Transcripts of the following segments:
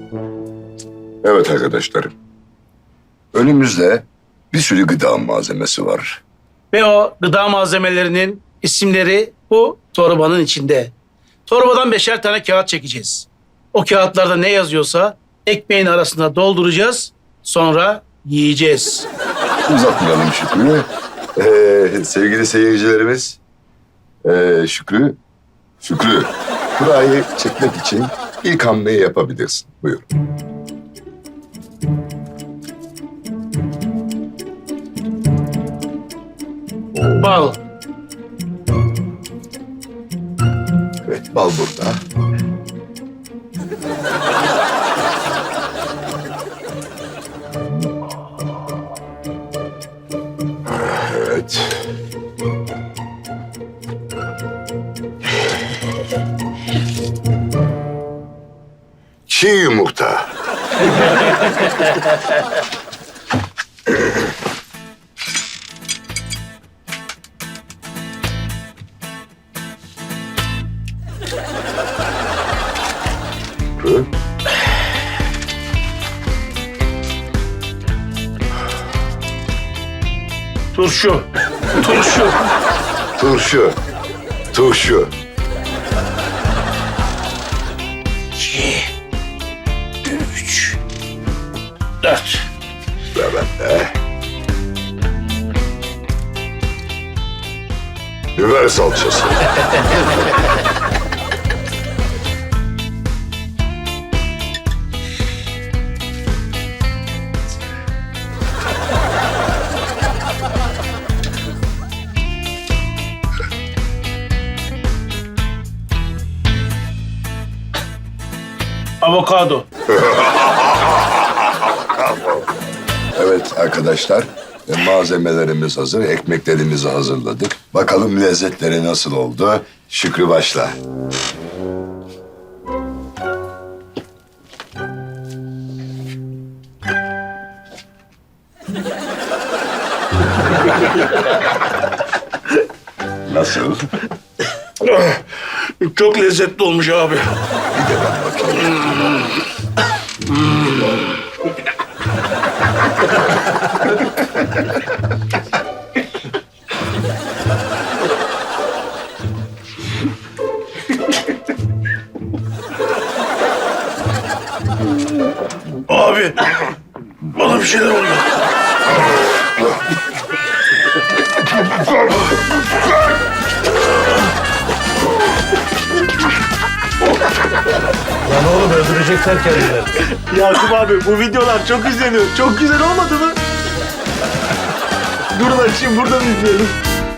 Evet arkadaşlarım. Önümüzde bir sürü gıda malzemesi var. Ve o gıda malzemelerinin isimleri bu torbanın içinde. Torbadan 5'er tane kağıt çekeceğiz. O kağıtlarda ne yazıyorsa ekmeğin arasına dolduracağız. Sonra yiyeceğiz. Uzatmayalım Şükrü. Sevgili seyircilerimiz. Şükrü. Kurayı çekmek için ilk hamleyi yapabilirsin. Buyur. Bal. Evet, bal burada. Evet. Çiğ yumurta. Hı? Turşu. Turşu. Turşu. 2, 3, 4. Ve ben de. Biber salçası. Avokado. Evet arkadaşlar, malzemelerimiz hazır, ekmeklerimizi hazırladık. Bakalım lezzetleri nasıl oldu? Şükrü başla. Nasıl? Çok lezzetli olmuş abi. Bir de ben bakayım. Abi, bana bir şeyler oluyor. Lan oğlum öldürecekler kendilerini. Yakup abi bu videolar çok izleniyor. Çok güzel olmadı mı? Durun açayım buradan izleyelim.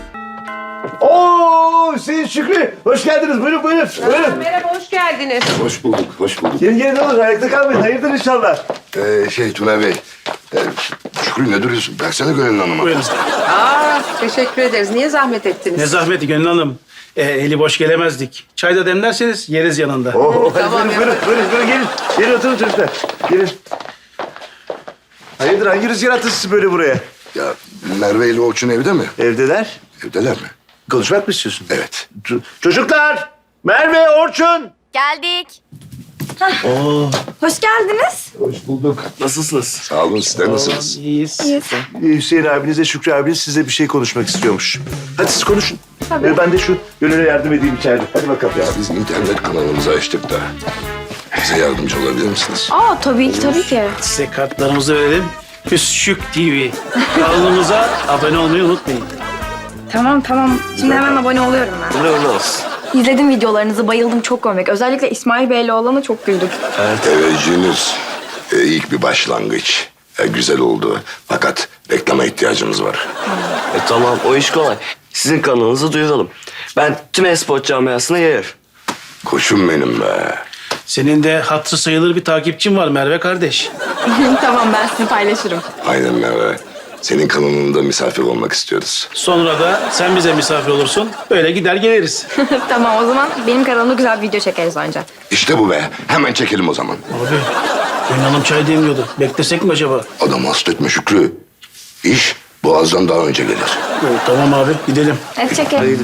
Oo Hüseyin Şükrü. Hoş geldiniz. Buyurun. Merhaba, hoş geldiniz. Hoş bulduk. Gelin ne olur ayakta kalmayın. Hayırdır inşallah. Tuna Bey, Şükrü ne duruyorsun? Versene Gönül Hanım'a. Buyurun. Teşekkür ederiz. Niye zahmet ettiniz? Ne zahmeti Gönül Hanım. Eli boş gelemezdik. Çay da demlerseniz yeriz yanında. Oo, hadi Tamam, buyurun gelin. Gelin oturun çocuklar. Gelin. Hayırdır hangi rüzgar attı sizi böyle buraya? Ya Merve ile Orçun evde mi? Evdeler. Evdeler mi? Konuşmak mı istiyorsun? Evet. Çocuklar! Merve, Orçun! Geldik. Hoş geldiniz. Hoş bulduk. Nasılsınız? Sağ olun, sizler nasılsınız? İyiyiz. Hüseyin abinizle Şükrü abiniz size bir şey konuşmak istiyormuş. Hadi siz konuşun. Ben de şu Gönül'e yardım edeyim içeride. Hadi bakalım. Ya biz internet kanalımızı açtık da bize yardımcı olabilir misiniz? Tabii ki. Size kartlarımızı verelim. Küçük TV. Kanalımıza abone olmayı unutmayın. Tamam. Şimdi hemen abone oluyorum ben. Ne olsun. İzledim videolarınızı, bayıldım, çok komik. Özellikle İsmail Bey'le olana çok güldüm. Teveccühünüz ilk bir başlangıç. Güzel oldu. Fakat reklama ihtiyacımız var. Tamam o iş kolay. Sizin kanalınızı duyuralım. Ben tüm e-spor camiasına yayarım. Koçum benim be. Senin de hatırı sayılır bir takipçin var Merve kardeş. Tamam, ben sizi paylaşırım. Aynen Merve. Senin kanalında misafir olmak istiyoruz. Sonra da sen bize misafir olursun. Böyle gider geliriz. Tamam, o zaman benim kanalımda güzel bir video çekeriz önce. İşte bu be. Hemen çekelim o zaman. Abi, Gönül Hanım çay demliyordu. Beklesek mi acaba? Adam hasta etme Şükrü. İş boğazdan daha önce gelir. Tamam abi, gidelim. Hadi çekelim.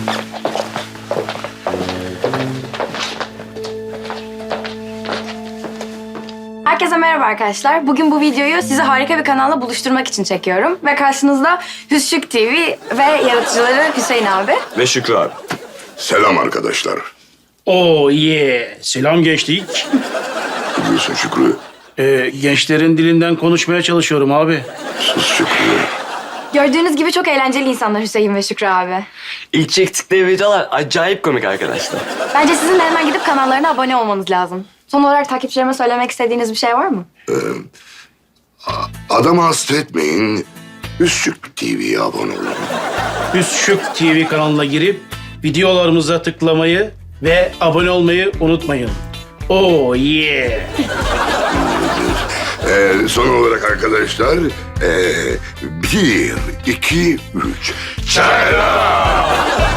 Herkese merhaba arkadaşlar. Bugün bu videoyu sizi harika bir kanalla buluşturmak için çekiyorum. Ve karşınızda Hüsşük TV ve yaratıcıları Hüseyin abi. Ve Şükrü abi. Selam arkadaşlar. Oo yeah. Selam gençlik. Ne diyorsun Şükrü? Gençlerin dilinden konuşmaya çalışıyorum abi. Sus Şükrü. Gördüğünüz gibi çok eğlenceli insanlar Hüseyin ve Şükrü abi. İlk çektikleri videolar acayip komik arkadaşlar. Bence sizin de hemen gidip kanallarına abone olmanız lazım. Son olarak takipçilerime söylemek istediğiniz bir şey var mı? Adamı hasta etmeyin. Üsküp TV'ye abone olun. Hüsşük TV kanalına girip videolarımıza tıklamayı ve abone olmayı unutmayın. Oh yeah. Son olarak arkadaşlar, 1, 2, 3. Çaylar!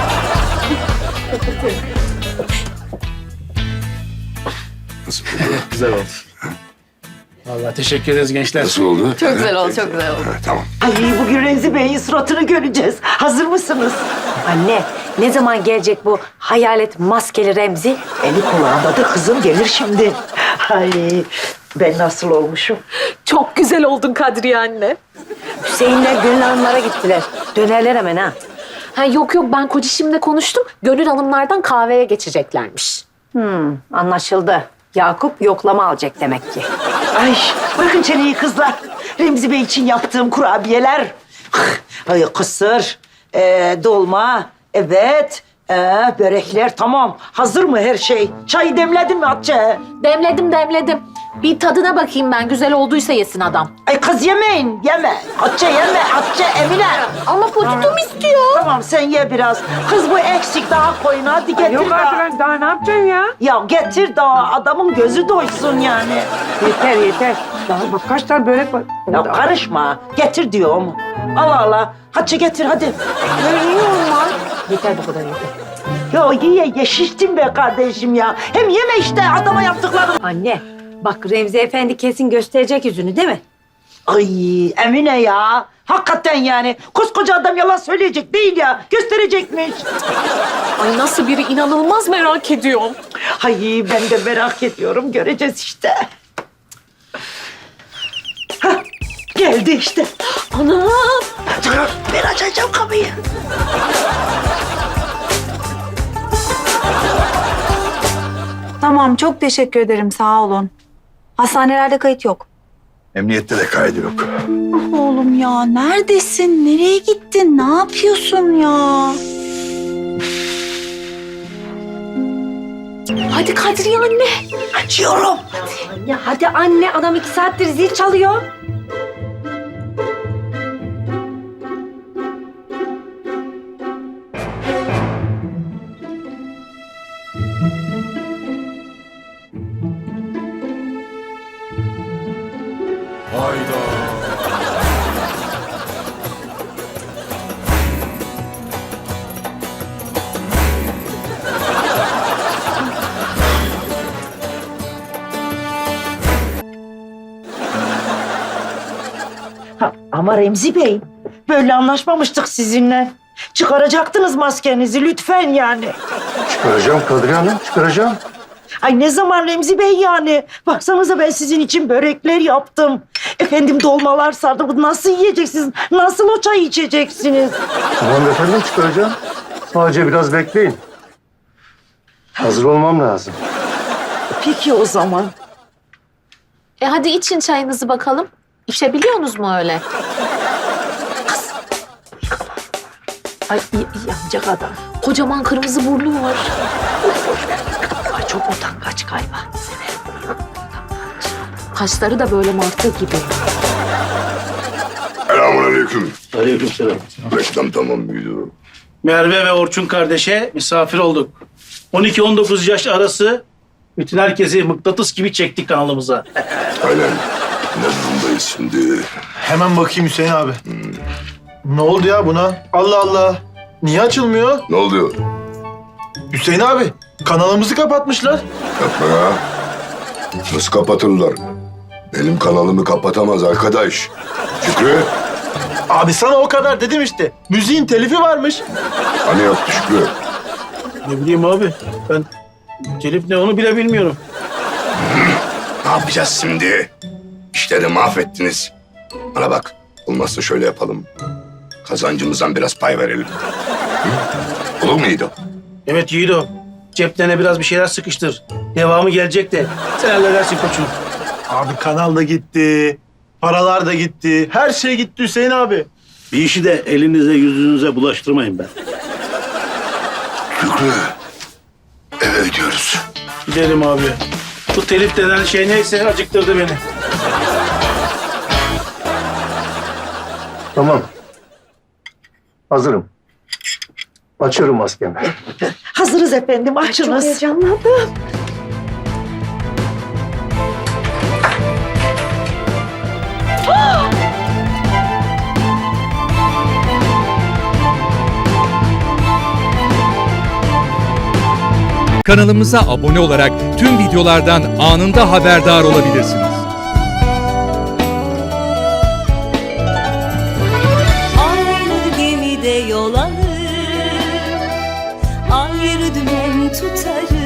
Nasıl oldu? Güzel oldu. Vallahi teşekkür ederiz gençler. Nasıl oldu? Çok güzel oldu, çok güzel oldu. Ha, tamam. Ay bugün Remzi Bey'in suratını göreceğiz. Hazır mısınız? Anne, ne zaman gelecek bu hayalet maskeli Remzi? Eli kulağında da kızım gelir şimdi. Ay ben nasıl olmuşum? Çok güzel oldun Kadriye anne. Hüseyinler Gönül Hanımlara gittiler. Dönerler hemen ha. Ha, yok ben kocişimle konuştum. Gönül Hanımlardan kahveye geçeceklermiş. Anlaşıldı. Yakup yoklama alacak demek ki. Ay bırakın çeneyi kızlar. Remzi Bey için yaptığım kurabiyeler. Ay kısır, dolma, evet. Börekler tamam. Hazır mı her şey? Çayı demledin mi Hatice? Demledim. Bir tadına bakayım ben. Güzel olduysa yesin adam. Ay kız yemeyin, yeme. Hatice yeme, Hatice Emine. Ama potitum istiyor. Tamam sen ye biraz. Kız bu eksik daha koyun hadi getir Yok daha. artık ben daha ne yapacağım ya? Ya getir daha adamın gözü doysun yani. Yeter. Daha bak kaç tane börek var. Ya karışma. Getir diyorum. Allah Allah. Hatice getir hadi. Yeter bu kadar yeter. Ya ye şiştin be kardeşim ya. Hem yeme işte adama yaptıklarını. Anne, bak Remzi Efendi kesin gösterecek yüzünü değil mi? Ay Emine ya. Hakikaten yani. Koskoca adam yalan söyleyecek değil ya. Gösterecekmiş. Ay nasıl biri inanılmaz merak ediyorum. Ay ben de merak ediyorum. Göreceğiz işte. Hah, geldi işte. Anam. Dur, ben açacağım kapıyı. Tamam, çok teşekkür ederim, sağ olun. Hastanelerde kayıt yok. Emniyette de kaydı yok. Oğlum ya, neredesin? Nereye gittin? Ne yapıyorsun ya? Hadi Kadriye anne. Açıyorum. Ya hadi anne, adam 2 saattir zil çalıyor. Ha, ama Remzi Bey, böyle anlaşmamıştık sizinle. Çıkaracaktınız maskenizi lütfen yani. Çıkaracağım Kadriye Hanım, çıkaracağım. Ay ne zaman Remzi Bey yani? Baksanıza ben sizin için börekler yaptım. Efendim dolmalar sardım. Bu nasıl yiyeceksiniz? Nasıl o çayı içeceksiniz? Tamam efendim, çıkaracağım. Sadece biraz bekleyin. Hazır olmam lazım. Peki o zaman. Hadi için çayınızı bakalım. İçebiliyorsunuz mu öyle? Ay yanacak adam. Kocaman kırmızı burnu var. Ay çok utangaç galiba. Kaşları da böyle martı gibi. Selamünaleyküm. Aleykümselam. Reklam tamam mıydı? Merve ve Orçun kardeşe misafir olduk. 12-19 yaş arası bütün herkesi mıknatıs gibi çektik kanalımıza. Aynen. Ne durumdayız şimdi? Hemen bakayım Hüseyin abi. Ne oldu ya buna? Allah Allah. Niye açılmıyor? Ne oldu? Hüseyin abi, kanalımızı kapatmışlar. Yapma ya. Nasıl kapatırlar? Benim kanalımı kapatamaz arkadaş. Şükrü, Abi sana o kadar dedim işte. Müziğin telifi varmış. hani yaptı Şükrü? Ne bileyim abi, ben telif ne onu bile bilmiyorum. Ne yapacağız şimdi? İşleri mahvettiniz. Bana bak, olmazsa şöyle yapalım. Kazancımızdan biraz pay verelim. Hı? Olur muydu? Evet Yiğido. Ceplerine biraz bir şeyler sıkıştır. Devamı gelecek de. Sen halledersin koçum. Abi kanal da gitti. Paralar da gitti. Her şey gitti Hüseyin abi. Bir işi de elinize yüzünüze bulaştırmayın ben. Şükrü, eve gidiyoruz. Gidelim abi. Bu telif denen şey neyse acıktırdı beni. Tamam. Hazırım. Açıyorum maskemi. Hazırız efendim, açınız. Heyecanlandım. Kanalımıza abone olarak tüm videolardan anında haberdar olabilirsiniz. Aynı gemide yol alır, ayrı dümen tutarız.